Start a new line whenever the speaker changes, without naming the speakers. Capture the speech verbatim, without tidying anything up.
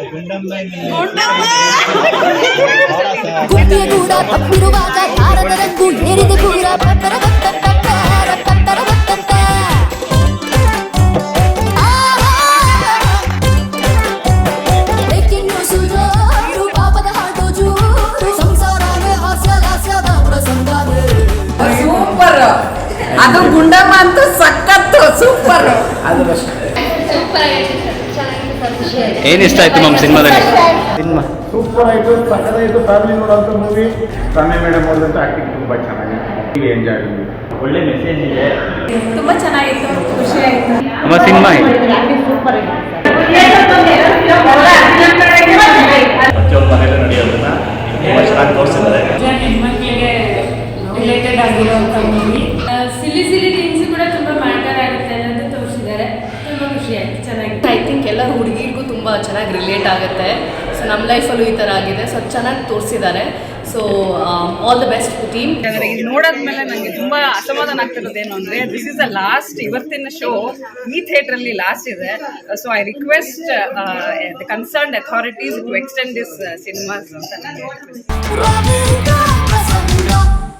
ಗುಂಡಿಯ ಕೂಡ ತಪ್ಪಿರುವಾಗ ತಾರದ ರಂಗು ಏರಿದೆ ಕೂಡ ಪತ್ತರ ಪತ್ತರ ಪತ್ತರ ಪತ್ತರ ಬ್ರೇಕಿಂಗ್ ನ್ಯೂಸ್ ಜೋರು ಪಾಪದ ಹಾಡು ಜೋರು ಸಂಸಾರವೇ ಹಾಸ್ಯ ಲಾಸ್ಯದ ಪ್ರಸಂಗವೇ
ಸೂಪರ್. ಅದು ಗುಂಡಮ್ಮ ಅಂತೂ ಸಖತ್ತು ಸೂಪರ್. ಅದು
ಏನು ಇಷ್ಟ ಆಯ್ತು ಮ್ಯಾಮ್ ಸಿನಿಮಾದಲ್ಲಿ? ಸಿನಿಮಾ
ಸೂಪರ್ ಆಯಿತು, ಸಕ್ಕತ್ತಾಯಿತು. ಫ್ಯಾಮಿಲಿ ನೋಡೋಂಥ ಮೂವಿ. ರಮ್ಯ ಮೇಡಮ್ ಅವ್ರದ್ದು ಆ್ಯಕ್ಟಿಂಗ್ ತುಂಬ ಚೆನ್ನಾಗಿದೆ, ಎಂಜಾಯ್ ಆಗಿದೆ. ಒಳ್ಳೆ ಮೆಸೇಜ್ ಇದೆ,
ತುಂಬ ಚೆನ್ನಾಗಿತ್ತು, ಖುಷಿ ಆಯಿತು.
ನಮ್ಮ ಸಿನಿಮಾ
ಸೂಪರ್ ಆಗಿದೆ.
ಪ್ರತಿಯೊಂದು ಮನೆಯಲ್ಲೂ ನಡೆಯೋದನ್ನ ತುಂಬ ಚೆನ್ನಾಗಿ ತೋರಿಸಿದ್ದಾರೆ.
ಹೆಣ್ಮಕ್ಳಿಗೆ ರಿಲೇಟೆಡ್ ಆಗಿರುವಂಥ ಮೂವಿ. ಸಿಲಿ ಸಿಲಿ ಥಿಂಗ್ಸ್ ಕೂಡ ತುಂಬ ಮ್ಯಾಟರ್ ಆಗುತ್ತೆ ಅನ್ನೋದು ತೋರಿಸಿದ್ದಾರೆ. ತುಂಬ ಖುಷಿ ಆಯಿತು, ಚೆನ್ನಾಗಿದೆ.
ಐ ಥಿಂಕ್ ಎಲ್ಲ ಹುಡುಗಿರಿಗೂ ತುಂಬ ಚೆನ್ನಾಗಿ ರಿಲೇಟ್ ಆಗುತ್ತೆ. ಸೊ ನಮ್ಮ ಲೈಫಲ್ಲೂ ಈ ಥರ ಆಗಿದೆ. ಸೊ ಚೆನ್ನಾಗಿ ತೋರಿಸಿದ್ದಾರೆ. So all the best team.
ಇದು ನೋಡಾದ್ಮೇಲೆ ನನಗೆ ತುಂಬ ಅಸಮಾಧಾನ ಆಗ್ತಿರೋದೇನು ಅಂದರೆ, ದಿಸ್ ಇಸ್ ದ ಲಾಸ್ಟ್, ಇವತ್ತಿನ ಶೋ ಈ ಥಿಯೇಟ್ರಲ್ಲಿ ಲಾಸ್ಟ್ ಇದೆ. So I request the concerned authorities to extend this cinemas ಅಂತ ನನಗೆ
ರವಿಂದ್ರ ಪ್ರಸಂಗ